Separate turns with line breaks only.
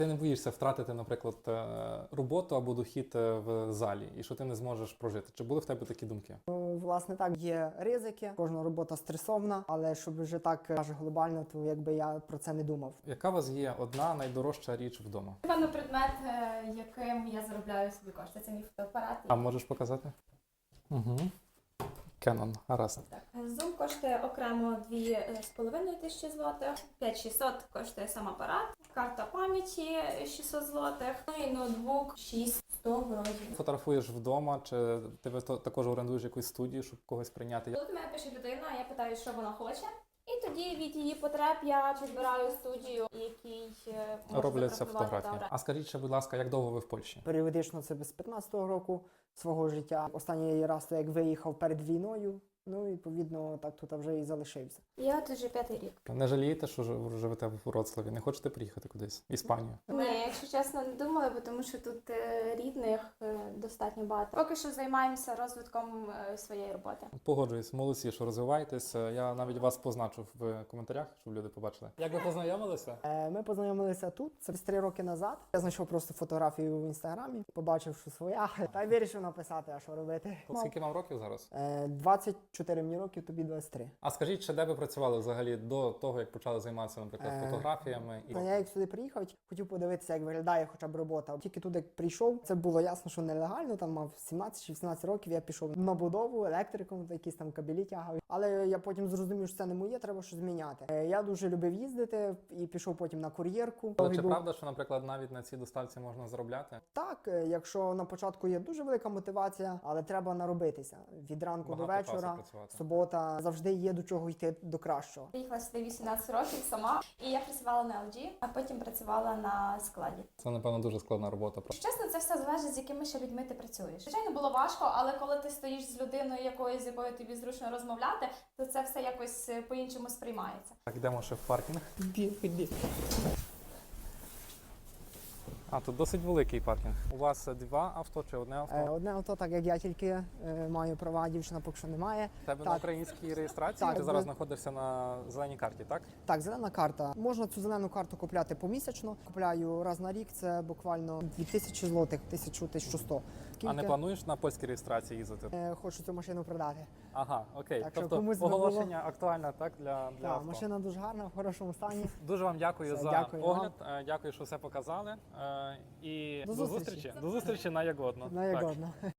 Ти не боїшся втратити, наприклад, роботу або дохід в залі, і що ти не зможеш прожити. Чи були в тебе такі думки?
Ну, власне, так, є ризики, кожна робота стресовна, але щоб вже так каже глобально, то якби я про це не думав.
Яка у вас є одна найдорожча річ вдома?
Напевно, предмет, яким я заробляю собі кошти. Це мій фотоапарат.
А можеш показати? Угу. Canon, гаразд.
Так. Zoom коштує окремо 2500 злотих, 5600 коштує сам апарат, карта пам'яті 600 злотих, ну і ноутбук 6100 вроді.
Фотографуєш вдома, чи ти також орендуєш якусь студію, щоб когось прийняти?
Коли до мене пише людина, я питаю, що вона хоче, і тоді від її потреб я підбираю студію, якій можу
Робляться
зафотографувати.
фотографії. А скажіть ще, будь ласка, як довго ви в Польщі?
Періодично це з 15-го року свого життя. Останній раз, то як виїхав перед війною, ну, відповідно, так тут вже і залишився.
Я тут вже 5-й рік.
Не жалієте, що живете в Вроцлаві? Не хочете приїхати кудись? В Іспанію?
Ні, якщо чесно, не думала, бо тому що тут рідних достатньо багато. Поки що займаємося розвитком своєї роботи.
Погоджуюсь, молодці, що розвиваєтесь. Я навіть вас позначу в коментарях, щоб люди побачили. Як ви познайомилися?
Ми познайомилися тут, це 3 роки назад. Я знайшов просто фотографію в інстаграмі, побачив, що своя, та й вирішив написати, а що робити.
Скільки вам років зараз?
24 мені років, тобі 23.
А скажіть, ще де ви працювали взагалі до того, як почали займатися, наприклад, фотографіями?
Та я як сюди приїхав, хотів подивитися, як виглядає хоча б робота. Тільки туди прийшов, це було ясно, що нелегально, там мав 17 чи 18 років, я пішов на будову, електриком, якісь там кабелі тягав. Але я потім зрозумів, що це не моє, треба щось зміняти. Я дуже любив їздити і пішов потім на кур'єрку.
Але чи правда, що, наприклад, навіть на цій доставці можна заробляти?
Так, якщо на початку є дуже велика мотивація, але треба наробитися. Від ранку до
Багато часу
вечора,
працювати.
субота, завжди є до чого йти до кращого.
Приїхала сюди 18 років сама, і я працювала на LG, а потім працювала на складі.
Це, напевно, дуже складна робота.
Чесно, це все залежить, з якими ще людьми ти працюєш. Звичайно, було важко, але коли ти стоїш з людиною, з якою тобі зручно розмовляти, то це все якось по-іншому сприймається.
Так, йдемо ще в паркінг.
Іди.
А, тут досить великий паркінг. У вас 2 авто чи одне авто?
Одне авто, так як я тільки маю права, дівчина поки що немає.
У тебе на
Так.
українській реєстрації?
Так,
Ти зараз
ви-
знаходишся на зеленій карті, так?
Так, зелена карта. Можна цю зелену карту купляти помісячно. Купляю раз на рік, це буквально 2000 злотих, 1000-1100.
А не плануєш на польській реєстрації їздити?
Хочу цю машину продати.
Ага, окей.
Так що
Тобто
комусь би
оголошення актуальне, так, для
Так,
авто.
машина дуже гарна, в хорошому стані.
Дуже вам дякую
Все,
за
дякую вам.
огляд. Дякую, що все показали. І
До зустрічі.
До зустрічі на Ягодно.
На Ягодно.